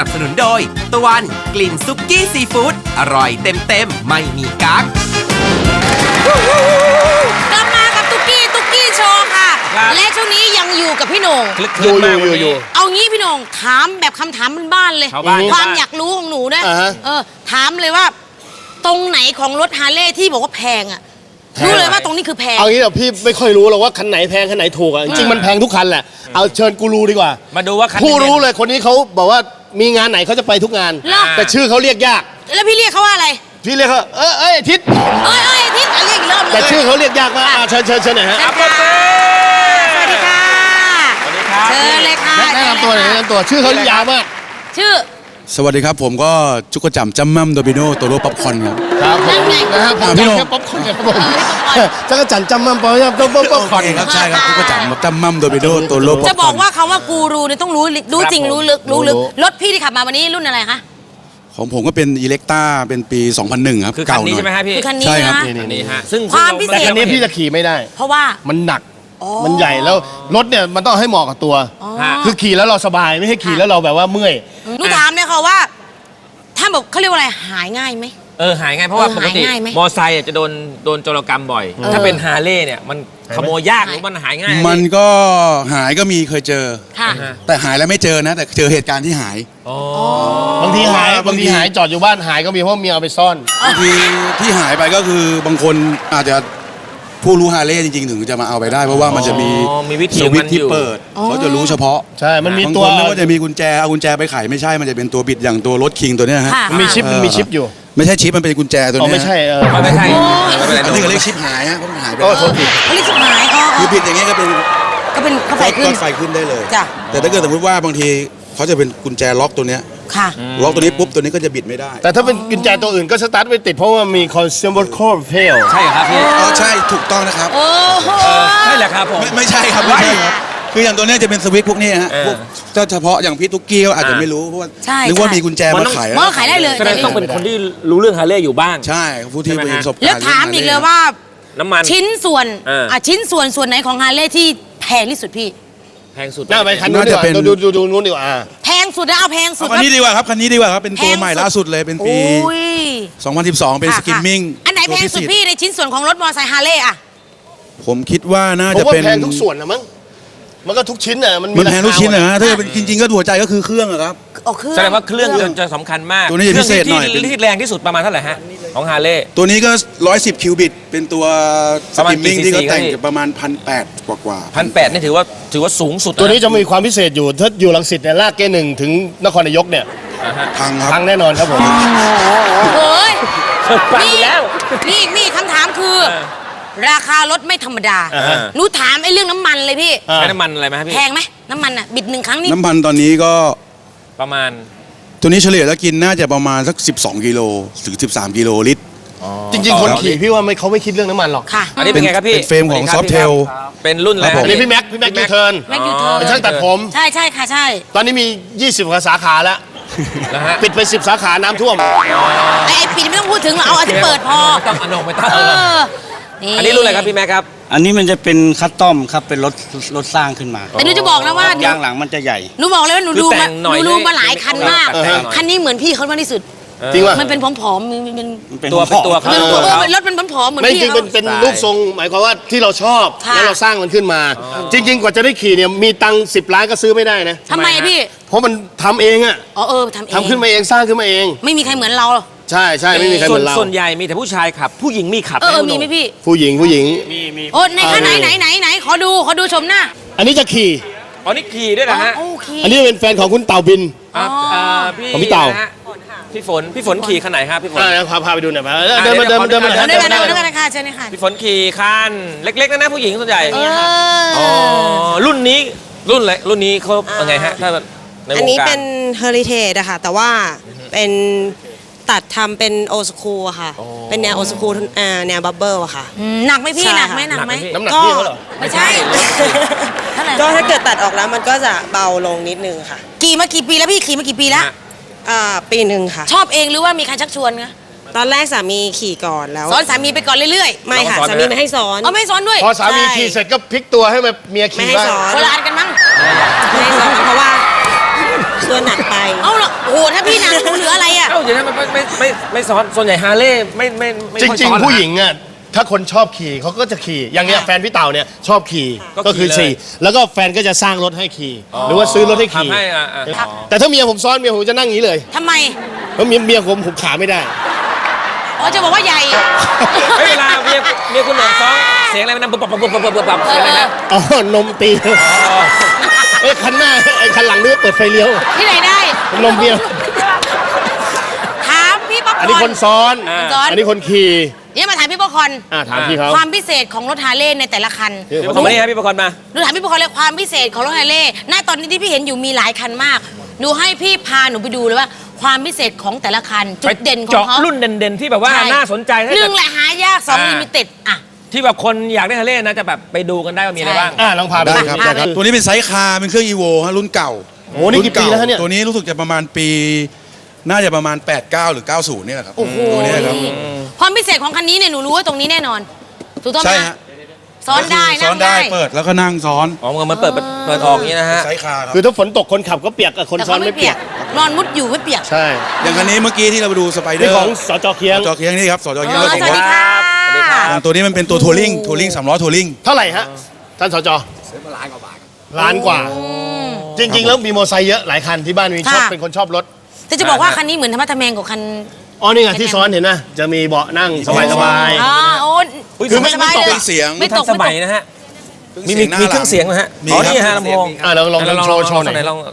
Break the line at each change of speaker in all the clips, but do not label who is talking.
นับสนุนโดยตะวันกลิ่นซุกี้ซีฟู้ดอร่อยเต็มไม่มีกั๊ก
กลับมากับตุ๊กกี้โชว์ค่ะและช่วงนี้ยังอยู่กับพี่โหน่ง
อยู่
เอางี้พี่โหน่งถามแบบคำถามบ้านๆเลยความอยากรู้ของหนูนะถามเลยว่าตรงไหนของรถฮาร์เลย์ที่บอกว่าแพงอ่ะรู้เลยว่าตรงนี้คือแพง
เอางี้เดี๋ยวพี่ไม่ค่อยรู้หรอกว่าคันไหนแพงคันไหนถูกอ่ะจริงมันแพงทุกคันแหละเอาเชิญกูรูดีกว่า
มาดูว่าคัน
ผู้รู้เลยคนนี้เขาบอกว่ามีงานไหนเขาจะไปทุกงานแต่ชื่อเขาเรียกยาก
แล้วพี่เรียกเขาว่าอะไร
พี่เรียกเขาอาทิตย์
อาทิตย์เรียกอีกรอบเลย
แต่ชื่อเขาเรียกยากมากเชิญหน่อยฮะ
สวัสดีค่ะเชิญเลยค่ะ
แนะนำตัวหน่อยแนะนำตัวชื่อเขายาวมาก
ชื่อ
สวัสดีครับผมก็จุกจั่มจัมมั่มโดบิโนตัวโรป๊อปคอร์นครับ
ครับนะครับผมพี่โหน่งป๊อปคอร์นครับผมจักรจั่นจัมมั่มป๊อปคอร์น
ครับใช่ครับจุกจั่มจัมมั่มโดบิโนตัวโรป๊อปคอร์น
จะบอกว่าคำว่ากูรูเนี่ยต้องรู้จริงรู้ลึกรถพี่ที่ขับมาวันนี้รุ่นอะไรคะ
ของผมก็เป็นอิเล็กต้าเป็นปี 2001 ครับ
คือคันนี้ใช่ไหมฮะพี่
คันนี้นะ
นี่ฮะซึ่ง
ความพิเศษ
แต่คันนี้พี่จะขี่ไม่ได้
เพราะว่า
มันหนักมันใหญ่แล้วรถเนี่ยมันต้องให้เหมาะกับตัวคือขี่แล้วเราสบายไม่ให้ขี่แล้วเราแบบว่าเมื่อย
หนูถามเลยค่ะว่าถ้าแบบเขาเรียกว่าอะไรหายง่ายไหม
หายง่ายเพราะว่าปกติมอไซค์จะโดนโจรกรรมบ่อยถ้าเป็นฮาร์เลย์เนี่ยมันขโมยยากหรือมันหายง่าย
มันก็หายก็มีเคยเจอแต่หายแล้วไม่เจอนะแต่เจอเหตุการณ์ที่หาย
บางทีหายจอดอยู่บ้านหายก็มีเพราะเมียเอาไปซ่อน
บางทีที่หายไปก็คือบางคนอาจจะผู้รู้ฮาร์เลย์จริงๆถึงจะมาเอาไปได้เพราะว่ามันจะมี
วิธี
ที่เปิดเขาจะรู้เฉพาะ
ใช่มันมีตัว
ไม่ว่าจะมีกุญแจเอากุญแจไปไขไม่ใช่มันจะเป็นตัวบิดอย่างตัวรถคิงตัวเนี้ยฮะ
มันมีชิปอยู่
ไม่ใช่ชิปมันเป็นกุญแจตัวนี้
ไม่ใช่
ไม่ใช่
อันนี้ก็เรียกชิปหายฮะเพราะมันหายไป
โทษผิด
เขาเรียกชิปหาย
คือผิดอย่างเงี้ยก็เป็น
เขาไฟขึ้น
ได้เลยแต่ถ้าเกิดสมมติว่าบางทีเขาจะเป็นกุญแจล็อกตัวเนี้ยล็อกตัวนี้ปุ๊บตัวนี้ก็จะบิดไม่ได้
แต่ถ้าเป็นกุญแจตัวอื่นก็สตาร์ทไม่ติดเพราะว่ามี consumer code fail
ใช่ครับพี่
ใช่ถูกต้องนะครับ
ใช่แหละครับผม
ไม่ใช่ครับไม่ใช่ครับคืออย่างตัวนี้จะเป็นสวิตช์พวกนี้ฮะพวกเฉพาะอย่างพี่ตุ๊กกี้ก็อาจจะไม่รู้เพราะว่านึกว่ามีกุญแจมา
ขายได้เลย
แสดงต้องเป็นคนที่รู้เรื่องฮาร์เลย์อยู่บ้าง
ใช่ผู้ที่มีประสบการณ์
แล้วถามอีกเลยว่า
น้ำมัน
ชิ้นส่วนไหนของฮาร์เลย์ที่แพงที่สุดพี่
แพงสุด
น่าไปคันนู้นดีกว่าดูนู้นดีกว่า
แพงสุดนะเอาแพงสุด
คันนี้ดีกว่าครับคันนี้ดีกว่าครับเป็นตัวใหม่ล่าสุดเลยเป็นปี2012เป็นสกิมมิ่ง
อันไหนแพงสุดพี่ในชิ้นส่วนของรถมอเตอร์ไซค์ฮาร์เลย์อะ
ผมคิดว่าน่าจะเป็น
แพงทุกส่วนนะมั้งมันก็ทุกชิ้นน่ะมัน
แพงทุกชิ้นนะถ้าเป็นจริงๆก็หัวใจก็คือเครื่องครับ
แสดงว่าเครื่องจะสำคัญมาก
ตัวนี้พิเศษหน่อย
ที่แรงที่สุดประมาณเท่าไหร่ฮะของฮาร์เลย์
ตัวนี้ก็110คิวบิตเป็นตัวสกิมมิ่งที่เขาแต่งประมาณ1,800กว่า
1,800นี่ถือว่าสูงสุด
ตัวนี้จะมีความพิเศษอยู่ถ้าอยู่รังสิตเนี่ยลากK1ถึงนครนายกเนี่ยพังแน่นอนครับผม
โอ้ยนี่คำถามคือราคารถไม่ธรรมดาหนูถามไอ้เรื่องน้ำมันเลยพี่
ใช้น้ำมันอะไรไหมพี่
แพงไหมน้ำมันอ่ะบิด1 ครั้งนี่
น้ำมันตอนนี้ก็
ประมาณ
ตัวนี้เฉลี่ยแล้วกินน่าจะประมาณสัก12 กิโลถึง13 กิโลลิตร
จริงๆคนขี่พี่ว่าเขาไม่คิดเรื่องน้ำมันหรอก
ค่ะ
อันนี้เป็นไงครับพี่
เป็นเฟรมของซอฟเทล
เป็นรุ่นอะไร
อันนี้พี่แม็กยูเทิร์นเป็นช่างตัดผม
ใช่ค่ะใช่
ตอนนี้มี20 กว่าสาขาแล้วปิดไป10 สาขาน้ำท่วม
ไอ้ปิดไม่ต้องพูดถึงเอาที่เปิดพอ
ไม่ต้องไม่ต้องอันนี้รุ่นอะไรครับพี่แม็กครับ
อันนี้มันจะเป็นคัสตอมครับเป็นรถสร้างขึ้นมา
แต่หนูจะบอกนะว่าย
างหลังมันจะใหญ่
หนูบอกเลยว่าหนูดูมาหลายคันมากคันนี้เหมือนพี่เขามากที่สุด
จริงป่ะ
มันเป็นผอมๆ
เป็นตัวเขา
รถเป็นผอมๆเหมือน
พี่ไม่จริงเป็นรูปทรงหมายความว่าที่เราชอบแล้วเราสร้างมันขึ้นมาจริงๆกว่าจะได้ขี่เนี่ยมีตังค์10 ล้านก็ซื้อไม่ได้นะ
ทำไมพี่
เพราะมันทำเองอ่ะทำขึ้นมาเองสร้างขึ้นมาเอง
ไม่มีใครเหมือนเรา
ใช่ไม่มีใครเหมือนเรา
ส่วนใหญ่มีแต่ผู้ชายขับผู้หญิงมีขับ
มีไหมพี่
ผู้หญิง
มีโอ้ในข้างไหนขอดูชมหน้า
อันนี้จะขี่
นี่ขี่ด้วยนะฮะ
อันนี้เป็นแฟนของคุณเต่าบินของพี่เต่า
พี่ฝนขี่คันไหนครับพี่ฝน
พาไปดูหน่อยมาเดินมา
กันค่ะเชิญค่ะ
พี่ฝนขี่คันเล็กๆนะผู้หญิงส่วนใหญ่รุ่นนี้เขายังไงฮะถ้า
อันนี้เป็นเฮอริเทจอะค่ะแต่ว่าเป็นตัดทำเป็นโอสคูลค่ะเป็นแนวโอสคูลแนวบับเบิ้ลอะค่ะ
หนักไหมพี่หนักไหม
น้ำหนักพี่เขาเหรอ
ไม่ใช่
ก็ถ้าเกิดตัดออกแล้วมันก็จะเบาลงนิดนึงค่ะ
ขี่มากี่ปีแล้วพี่ขี่มากี่ปีแล้ว
ปีหนึ่งค่ะ
ชอบเองหรือว่ามีใครชักชวนคะ
ตอนแรกสามีขี่ก่อนแล้ว
สอนสามีไปก่อนเรื่อย
ๆไม่ค่ะสามีไม่ให้สอน
ไม่สอนด้วย
พอสามีขี่เสร็จก็พลิกตัวให้เมียขี่บ้าง
คนละอันกันมั้ง
ไม่ให้สอนเพราะว่าตัวหนักไป
เอาเหรอโอ้โหถ้าพี่หนังหนูเหลืออะไรอ่ะ
เอ้าอย่างนั้นมันไม่ซ้อนส่วนใหญ่ฮาร์เลย์ไม่
จ
ค่อย
ริง
ซ้อน
ๆ ผู้หญิงอ่ะถ้าคนชอบขี่เขาก็จะขี่อย่างเนี้ยแฟนพี่เต่าเนี่ยชอบขี่
ก็
ก็คือ
ขี่
ขี่
เลย
แล้วก็แฟนก็จะสร้างรถให้ขี่หรือว่าซื้อรถให้ขี่
ทำให้อ่ะ
แต่ถ้าเมียผมซ้อนเมียผมจะนั่งอย่างนี้เลย
ทำไม
เพราะเมียผมขาไม่ได้
อ๋อจะบอกว่าใหญ่
ไม่เวลาเมียคุณหน่องซ้อนเสียงอะไรมันดังปุ๊บเสียงอะไรนะ
อ๋อนมตีเอ้ยคันหน้าไอ้คันหลังนี่เปิดไฟเลี้ยว
ที่ไหนได้
นมเมีย
ถามพี่ป๊อปคอร์น
อันนี้คนซ้อน
คนซ้อน
อันนี้คนขี่
เนี่ยมาถามพี่ป๊อปคอร์น
ถามพี่เขา
ความพิเศษของรถฮาร์เลย์ในแต่ละคัน
พี่ประกอบมานี่ฮะพี่ประกอบมา
หนูถามพี่ป๊อปคอร์นเลยความพิเศษของรถฮาร์เลย์ณตอนนี้ที่พี่เห็นอยู่มีหลายคันมากหนูให้พี่พาหนูไปดูเลยว่า ความพิเศษของแต่ละคันจุดเด่นของ
เจาะ
เขา
รุ่นเด่นๆที่แบบว่า
ใช่
น่าสนใจถ้า
ห
เกิ
นึ่
ด
งแหละหายากสอง
อ่า
ลิมิเต็ดอ่ะ
ที่แบบคนอยากได้ฮาร์เลย์นะจะแบบไปดูกันได้ว่ามีอะไรบ้าง
ลองพาไป
ได้
ดู
ครับ
อ่ะ
ได้ครับ ตัวนี้เป็นไซส์คาร์เป็นเครื่อง EVO ฮะรุ่นเก่า
โอ้โหนี่กี่ปีแล้วฮะเนี่ย
ตัวนี้รู้สึกจะประมาณปี น่าจะประมาณ 89 หรือ 90นี่แหละครับ
โอ้โห
ตัวนี้ครับ
ความพิเศษของคันนี้เนี่ยหนูรู้ว่าตรงนี้แน่นอนถูกต้องไหม
ใช่ฮะ
ซ้อนได้
ซ้
นั่
อน
ง
ได้
ได้
เปิดแล้วก็นั่งซ้อน
อ๋อมันเปิดออกอย่างนี้นะฮะ
ไซส์คาร์ครับ
คือถ้าฝนตกคนขับก็เปียกกับคน
แต่
ซ้อ
เขา
น
ไม่
ไม่
เปี
เปี
ย
ย
ก
ก
นอนมุดอยู่ไม่เปียก
ใช่
อย่างคันนี้เมื่อกี้ที่เราไปดูสไปเดอ
นี่
ร์
ของสจเคียง
จอเคียงนี่ครับสจเคียง
สวัสดีค่ะ
อย่างตัวนี้มันเป็นตัวทัวริง3ล้อทัวริง
เท่าไหร่ฮะท่านสจซื้อมาล้านกว่า จริง ๆ แล้วมีมอเตอร์ไซค์เยอะหลายคันที่บ้านมีชอบ
ค่ะ
เป็นคนชอบรถ
แต่จะบอกว่าคันนี้เหมือนธรรมะทะแมงกว่าคัน
อ๋อนี่ไงที่ซ้อนเห็นนะจะมีเบาะนั่งสบาย
อ๋อโอ้
คือไม่
สบาย
ตก
เลย
เสียง
ไม่
ทั
ต
น
ก
สมัยนะฮะมี
หน้า
เค
หลั
รื่องเสียงนะฮะ
มี
อ๋อ
ครับ
นี่ฮะลำโพง
ลองโชว์หน่อย
ลอง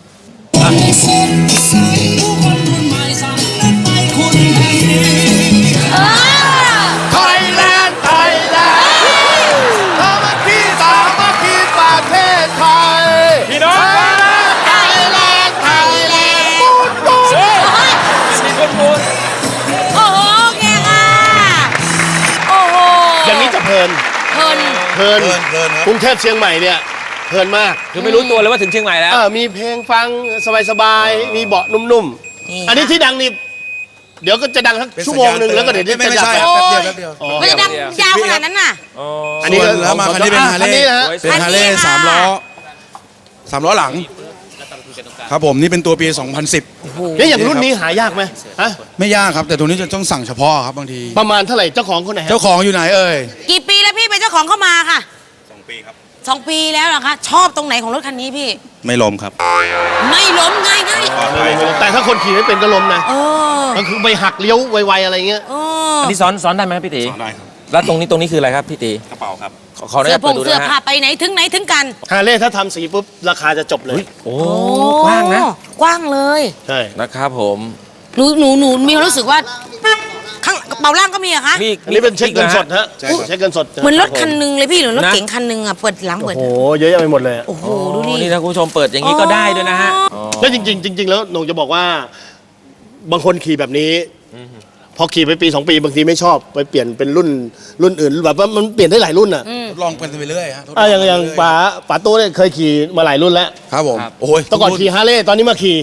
ไทยแลนด์ไทยแลนด์สามัคคีสามัคคีประเทศไทย
พี่น้อง
ไทยแลนด์ไทยแลนด์ปูน
มีคนพูด
โอ้โหแกค่ะโอ้โห
อย่างนี้จะเพลิน
เพลิน
เพลิน
เพลินครับ
กรุงเทพเชียงใหม่เนี่ยเพลินมาก
คือไม่รู้ตัวเลยว่าถึงเชียงใหม่แล้ว
มีเพลงฟังสบายๆมีเบาะนุ่มๆอันนี้ที่ดังนี่เดี๋ยวก็จะดังสักชั่วโมงหนึ่งแล้วก็เดี๋ยว
ไม่
จะ
ใช่
ดับ
ครับแป๊บเดียวแป๊บเดียว
อ๋อ
มันจะดังยาวขนาดนั้นน่ะ
อันนี้
ส่วนแล้วมาคันนี้เป็นฮาร์เล
คัน
ย์
นี้นะฮะ
เป็นฮาร์เลย์
คันนี้ค่ะ
3ล้อหลัง ครับผมนี่เป็นตัวปี 2010
แล้วอย่างรุ่นนี้หายากไหมฮะ
ไม่ยากครับ แต่ตัวนี้จะต้องสั่งเฉพาะครับบางที
ประมาณเท่าไหร่เจ้าของคนไหนฮะ
เจ้าของอยู่ไหนเอ่ย
กี่ปีแล้วพี่เป็นเจ้าของเข้ามาค่ะ2 ปีครับ2 ปีแล้วเหรอคะชอบตรงไหนของรถคันนี้พี่
ไม่ล้มครับ
ไม่ล้มง่ายง่าย
แต่ถ้าคนขี่ไม่เป็นก็ล้มนะ
เออ
ก็คือไปหักเลี้ยวไวๆอะไรเงี้ย
เออ
อันนี้ซ้อนได้ไหมพี่ตี
ได้ครับ
แล้วตรงนี้คืออะไรครับพี่ตี
กระเป๋าครับ
ขออนุ
เสื้
ญา
อ
ต
ผ
เปิด
ง
ดู
เสื้อ
นะ
ผ้า
ฮะ
ไปไหนถึงไหนถึงกัน
ฮาร์เลย์ถ้าทำสีปุ๊บราคาจะจบเลย
โอ้กว้างนะ
กว้างเลย
ใช่
นะครับผม
หนูมีความรู้สึกว่าข้างกระเป๋าล่างก็มีอะคะ
มี
อันนี้เป็นเช็คเงินสด
ฮะ
ฮะเช็คเงินสด
เหมือนรถคันหนึงเลยพี่หรือรถ
นะ
เก๋งคันหนึงอะเปิดหลังเปิด
โอ้โหเยอะแยะไปหมดเลย
โอ้โห
โอ้
ดูดิ
นี่ถ้าคุณผู้ชมเปิดอย่างนี้ก็ได้ด้วยนะฮะ
แล้วจริงๆแล้วหนูจะบอกว่า บางคนขี่แบบนี้ พอขี่ไปปี 2 ปีบางทีไม่ชอบไปเปลี่ยนเป็นรุ่นอื่นแบบว่ามันเปลี่ยนได้หลายรุ่นอ่ะ
ทดลองกันไปเรื่อยฮะทดล
อย่างป๋าตู้เนี่ยเคยขี่มาหลายรุ่นแล้ว
ครับผม
ครับ
โอ้ย
แต่ก่อนขี่ฮาร์เลย์ตอนนี้มาขี่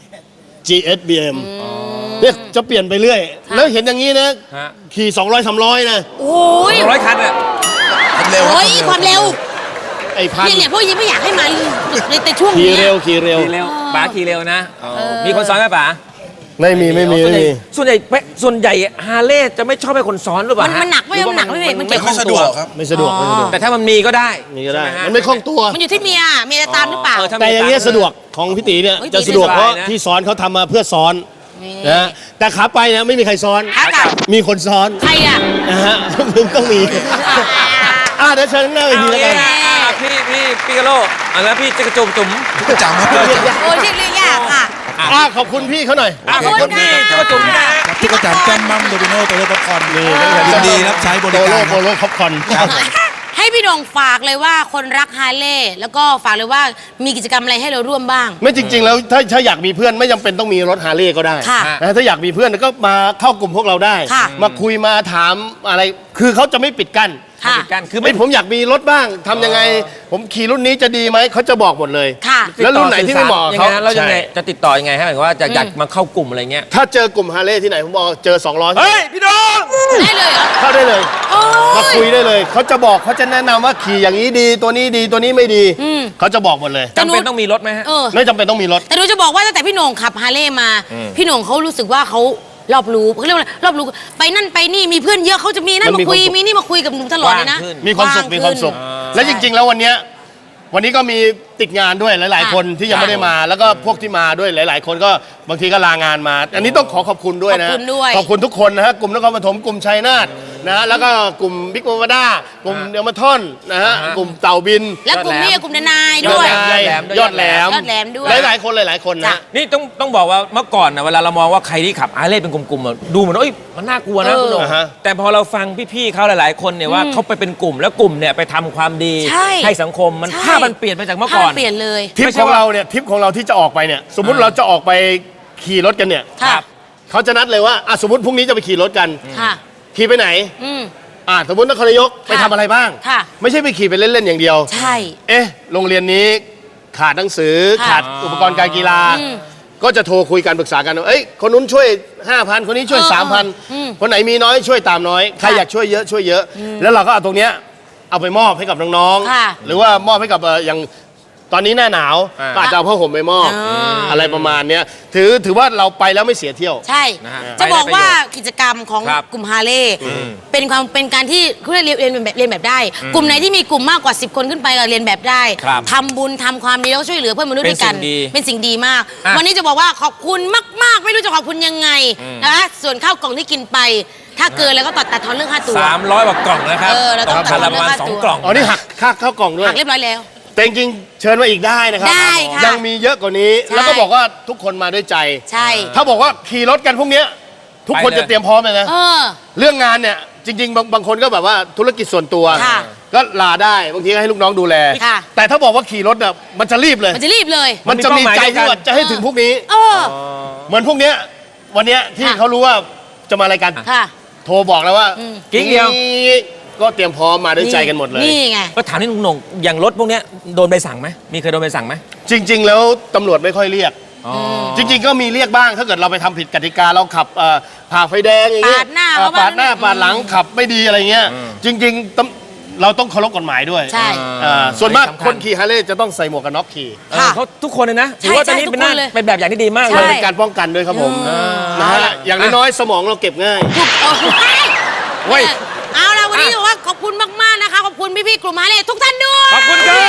GS BM เนี่ยจะเปลี่ยนไปเรื่อย แล้วเห็นอย่างนี้นะ
ฮะ
ขี่200-300นะ
โอ้ย
100 คันอ่ะ
เร็ว
โอ้ยความเร็ว
ไอ้พัน
เนี่ยพวกยังไม่อยากให้มาในช่วง
ขี่
นี้
เร็วขี่เร็ว
ขี่เร็วป๋าขี่เร็วนะมีคนซ้อนไหมป๋า
ไม่มี
ส่วนใหญ่ฮาร์เลย์จะไม่ชอบให้คนซ้อนหรือเปล่า
มัน
ฮะ
หนักไม่
รือว่า
หนักไม่เบรกมันเกี่ยว
ไม่สะดวกครับ
ไม่สะดวกไม่สะดวก
แต่ถ้ามันมีก็ได้
นี่ก็ได้
ใช่หฮะ
มันไม่คล่องตัว
มันอยู่ที่เมียจะตามหรือเปล่า
ถ้มี
แต่อย่างเงี้ย
ตัค์
สะดวกของพี่ตีเนี่ย
เฮ้ย
จะสะดวก
ดีนะ
เพราะ
สบายนะ
ที่ซ้อนเขาทำมาเพื่อซ้อน
นี่
นะฮะแต่ขาไปเนี่ยไม่มีใครซ้อน
ขากลับ
มีคนซ้อน
ใครอะ
นะฮะมึงต้องมีเดี๋ยวเชิญหน้าเวทีแล้วกัน
พี่กะโลแล้วพี่จะกระจุ่ม
ประจำครับ
โอ้ยเรียกยากค่ะ
ขอบคุณพี่เขาหน่อย
ขอบคุณ
พี่
ค่ะ
จะกระจุ่มนะฮะ
ที่ประจำแก้มมั่มโดมิโนโตโยต้าคอนยินดีรับใช้บริ
โป
การ
โลคอปคอน
ให้พี่โด่งฝากเลยว่าคนรักฮาร์เลย์แล้วก็ฝากเลยว่ามีกิจกรรมอะไรให้เราร่วมบ้าง
ไม่จริง ๆ แล้วถ้าอยากมีเพื่อนไม่จำเป็นต้องมีรถฮาร์เลย์ก็ได้
ค่ะ
นะถ้าอยากมีเพื่อนก็มาเข้ากลุ่มพวกเราได้
ค่ะ
มาคุยมาถามอะไร คือเขาจะไม่ปิดกั้น
ค่ะ
ปิดกั้นคือ
ไม่ผมอยากมีรถบ้างทำยังไง ผมขี่รุ่นนี้จะดีไหมเขาจะบอกหมดเลย
ค่ะ
แล้วรุ่นไหนที่ไม่เหมาะ
ยัง
เขา
ไงฮะแล้วยังไง
ใช่
จะติดต่อยังไงฮะหมายความว่าจะอยากมาเข้ากลุ่มอะไรเงี้ย
ถ้าเจอกลุ่มฮาร์เลย์ที่ไหนผมบอกเจอ2ล้อ
เฮ้ยพี่น้อง
ได้เลยเหรอ
เข้าได้เลย
โอ้ย
มาคุยได้เลยเขาจะบอกเขาจะแนะนำว่าขี่อย่างนี้ดีตัวนี้ดีตัวนี้ไม่ดีเขาจะบอกหมดเลย
จำเป็นต้องมีรถไหมฮะ
เออ
ไม่จำเป็นต้องมีรถ
แต่หนูจะบอกว่าตั้งแต่พี่โหน่งขับฮาร์เลย์มา พี่โหน่งเขารู้สึกว่าเขารอบรู้เขาเรียกว่าอะไรรอบรู้ไปนั่นไปนี่มีเพื่อนเยอะเขาจะมีนั่น
มันมี
มาคุย
ความสุข
มีนี่มาคุยกับหนูตลอดเลยนะ
ว่างขึ้น
มีความสุขมีความสุข และจริง ๆ แล้ววันนี้ก็มีติดงานด้วยหลาย ๆ คนที่ยังไม่ได้มา แล้วก็พวกที่มาด้วยหลาย ๆ คนก็บางทีก็ลางานมา อันนี้ต้องขอบคุณด้วยนะ
ขอบคุณด้วย
ขอบคุณทุกคนนะฮะกลุ่มนครปฐมกลุ่มชัยนาทนะฮะแล้วก็กลุ่มบิ๊กโมวาด้ากลุ่มเดลมาทอนนะฮะกลุ่มเต่าบิน
และกลุ่มนี้กลุ่มนายด้วย
ยอดแหลม
ยอดแหลมด้วย
หลายๆคนหลายๆคน
จ้ะ
นะ
นี่ต้องบอกว่าเมื่อก่อนนะเวลาเรามองว่าใครที่ขับฮาร์เลย์เป็นกลุ่มๆอะดูเหมือนว่าเอ้ยมันน่ากลัวนะคุณโหน่ง
อ่าฮะ
แต่พอเราฟังพี่ๆเขาหลายๆคนเนี่ยว่าเขาไปเป็นกลุ่มแล้วกลุ่มเนี่ยไปทำความดี
ใช่
ให้สังคมมัน
ใช่
ภาพมันเปลี่ยนไปจากเมื่อก่อน
ภาพเปลี่ยนเลย
ทริปของเราเนี่ยทริปของเราที่จะออกไปเนี่ยสมมุติเราจะออกไปขี่รถกันเนี่ย
ค่ะ
เขาจะนัดเลยว่าสมมติพรุ่งนี้จะไปขี่รถกัน
ค่ะ
ขี่ไปไหน
อืม
สมมตินครนายกไปทำอะไรบ้าง
ค่ะ
ไม่ใช่ไปขี่ไปเล่น ๆ อย่างเดียว
ใช่
โรงเรียนนี้ขาดหนังสือ
ค่ะ
ขาดอุปกรณ์การกีฬา
อืม
ก็จะโทรคุยกันปรึกษากันว่าคนนู้นช่วย 5,000 คนนี้ช่วย
อืม
3,000 คนไหนมีน้อยช่วยตามน้อย ใคร
ค่ะ
อยากช่วยเยอะช่วยเยอะ แล้วเราก็เอาตรงเนี้ยเอาไปมอบให้กับน้อง
ค่ะ
ๆ หรือว่ามอบให้กับอย่างตอนนี้หน้าหนาว ก็อาจจะเอาผ้าห่มไปมอบ อะไรประมาณเนี้ยถือว่าเราไปแล้วไม่เสียเที่ยว
ใช่
นะฮะ
จะบอกว่า
ไปได้ประโยชน์
กิจกรรมของ
ครับ
กลุ่มฮาร์เลย์เป็นการที่เขาเรียนแบบได้ กลุ่มไหนที่มีกลุ่มมากกว่า 10 คนขึ้นไปก็เรียนแบบได้
ครับ
ทำบุญทำความดีแล้วช่วยเหลือเพื่อนมนุษย์ด้วยกัน
เป็นสิ่งดี
เป็นสิ่งดีมาก
อ่ะ
วันนี้จะบอกว่าขอบคุณมาก ๆ ไม่รู้จะขอบคุณยังไงนะคะส่วนข้าวกล่องที่กินไป ถ้าเกินแล้วก็ตัดทอนเรื่องค่าตั๋ว
300กว่ากล่องนะครับ
เราต้อง
คันละประมาณ
ทำเรื่องค่าตั๋ว
2 กล่อง
อ๋อนี่หักค่าข้าวกล่องด้วย
หักเรียบร้อยแล้ว
แต่จริงๆเชิญมาอีกได้นะครั
ได้ค่ะ
ยังมีเยอะกว่านี้
ใช่
แล้วก็บอกว่าทุกคนมาด้วยใจ
ใช่
ถ้าบอกว่าขี่รถกันพวกเนี้ยทุกคน
ไปเลย
จะเตรียมพร้อมเลยนะ
เออ
เรื่องงานเนี่ยจริงๆบางคนก็แบบว่าธุรกิจส่วนตัว
ค่ะ
ก็ลาได้บางทีก็ให้ลูกน้องดูแล
ค่ะ
แต่ถ้าบอกว่าขี่รถเนี่ยมันจะรีบเลย
มันจะรีบเลย
มันจะมีใจที่ว่าจะให้ถึงพวกนี้
เออ
เหมือนพวกเนี้ยวันเนี้ยที่
ค่ะ
เขารู้ว่าจะมารายการ
ค่ะ
โทรบอกแล้วว่า
กิ๊กเดียว
ก็เตรียมพร้อมมาด้วยใจกันหมดเลย
นี่ไง
ก็ถามนี่หนุ่งๆอย่างรถพวกเนี้ยโดนใบสั่งไหมมีเคยโดนใบสั่งไหม
จริง ๆ แล้วตำรวจไม่ค่อยเรียก จริง ๆ ก็มีเรียกบ้างถ้าเกิดเราไปทำผิดกติกาเราขับผ่าไฟแดงอย่างเงี้ย
ปาดหน้า
ปาดหน้า
เขาว่า
ปาดหลังขับไม่ดีอะไรเงี้ยจริงๆเราต้องเคารพกฎหมายด้วย
ใช่
ส่วนมาก
สำคัญ
คนขี่ฮาร์เลย์จะต้องใส่หมวกกันน็อกขี่
ค่ะ
เขาทุกคนเลยนะถือว่าตอนนี้
ใช่
เป็นหน้า
ทุกคนเลย
เป็นแบบอย่างที่ดีมาก
ใช่
เลย
เป็นการป้องกันด้วยครับผมนะฮะอย่างน้อยๆสมองเราเก็บง่าย
เว้ย
เอาล่ะวันนี้ถือว่าขอบคุณมาก ๆ นะคะ ขอบคุณพี่ ๆ กลุ่มฮาร์เลย์ทุกท่านด้วย
ขอบคุณครับ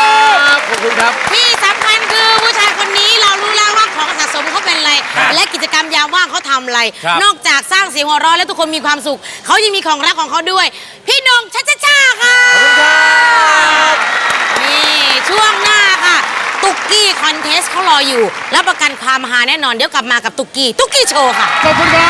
ขอบคุณครับ
ที่สำคัญคือผู้ชายคนนี้เรารู้แล้วว่าของสะสมเขาเป็นอะไร
ครับ
และกิจกรรมยามว่างเขาทำอะไร
ครับ
นอกจากสร้างเสียงหัวเราะและทุกคนมีความสุข เขายังมีของรักของเขาด้วย พี่นงชัชชาค่ะนี่ช่วงหน้าค่ะ ตุกกี้คอนเทสเขารออยู่รับประกันความฮาแน่นอนเดี๋ยวกลับมากับตุกกี้โชว์ค่ะ
ขอบคุณครับ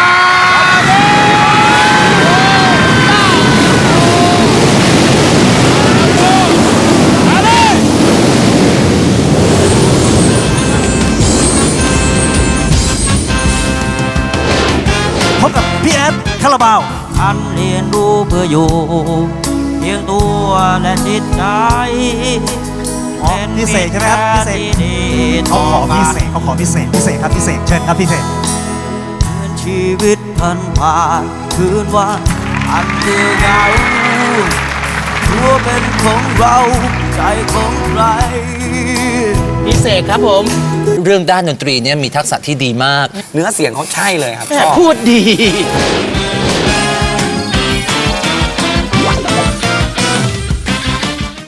พบกับพี่แอดคาราบาวอันเรียนรู้เพื่ออยู่ เพียงตัวและจิตใจ
อ๋อพิเศษใช่ไหมครับพิเศษ เขาขอพิเศษครับพิเศษเชิญครับพิเศษ
เหมือนชีวิตผ่านคืนวันอันเดียวเหงาตัวเป็นของเราใจของใคร
พิเศษครับผม
เรื่องด้านดนตรีเนี่ยมีทักษะที่ดีมาก เนื้อเสียงเขาใช่เลยครับ
พูดดี